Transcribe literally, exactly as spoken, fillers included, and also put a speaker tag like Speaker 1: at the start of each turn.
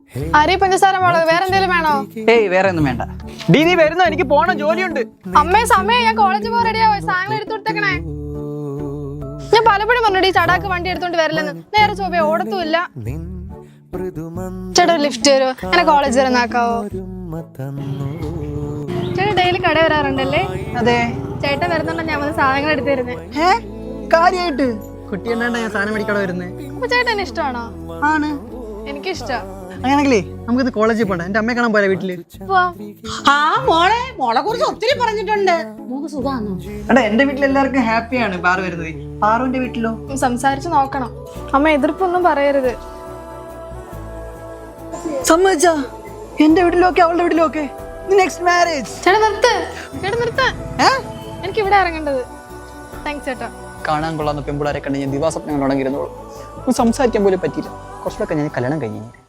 Speaker 1: അരി പഞ്ചസാര മുളക് വേറെ എന്തെങ്കിലും വേണോ?
Speaker 2: ഏയ് വേറെ ഒന്നും വേണ്ട. ഡി നീ വരുന്നോ? എനിക്ക് പോണം, ജോലിയുണ്ട്.
Speaker 1: അമ്മേ സമയം, ഞാൻ കോളേജിൽ പോകാൻ റെഡിയാവോ? സാധനം എടുത്തു കൊടുത്തേക്കണേ. ഞാൻ പലപ്പോഴും പറഞ്ഞു ഈ ചടാക്ക് വണ്ടി എടുത്തോണ്ട് വരില്ലെന്ന്. നേരെ ചോദ്യം ഓടത്തുമില്ല. ചേട്ടാ ഒരു ലിഫ്റ്റ് തരുമോ? എന്നെ കോളേജ് വരെ നാക്കാവോ? ചേട്ടാ ഡെയിലി കട വരാറുണ്ടല്ലേ?
Speaker 2: അതെ.
Speaker 1: ചേട്ടൻ വരുന്നുണ്ടോ ഞാൻ വന്ന് സാധനങ്ങൾ എടുത്തു തരുന്നേ?
Speaker 2: ഏ കാര്യായിട്ട് കുട്ടി എന്നാണ്ട ഞാൻ സാധനം മേടിക്കാതെ വരുന്നേ.
Speaker 1: അപ്പൊ ചേട്ടൻ ഇഷ്ടമാണോ?
Speaker 2: ആണ്,
Speaker 1: എനിക്കിഷ്ടം.
Speaker 2: അങ്ങനെയാണെങ്കിലേ നമുക്കിത് കോളേജിൽ പോണ്ട. എന്റെ അമ്മയെ കാണാൻ പോലെ വീട്ടില്.
Speaker 3: ആ മോളെ മോളെ കുറിച്ച് ഒത്തിരി പറഞ്ഞിട്ടുണ്ട്. മോക്ക് സുഖാണോ?
Speaker 2: എടാ എന്റെ വീട്ടിൽ എല്ലാവർക്കും ഹാപ്പിയാണ് പാറു വരുന്നത്. പാറുവിന്റെ വീട്ടിലോ?
Speaker 1: സംസാരിച്ച് നോക്കണം. അമ്മ എതിർപ്പൊന്നും പറയരുത്.
Speaker 2: സമ്മതിച്ചാ? എന്റെ വീട്ടിലൊക്കെ അവളുടെ വീട്ടിലൊക്കെ നെക്സ്റ്റ് മാരേജ്.
Speaker 1: ചേട്ടാ നിർത്ത്, ചേട്ടാ നിർത്ത്. എനിക്ക് ഇവിടെ ഇറങ്ങേണ്ടത്. താങ്ക്സ് ചേട്ടാ.
Speaker 2: കാണാൻ കൊള്ളാവുന്ന പെമ്പിളാരെ കണ്ട് ഞാൻ ദിവാസ്വപ്നങ്ങൾ ഉടങ്ങിയിരുന്നോളൂ. സംസാരിക്കാൻ പോലും പറ്റിയില്ല. കുറച്ചുകൂടെ ഞാൻ കല്യാണം കഴിഞ്ഞു.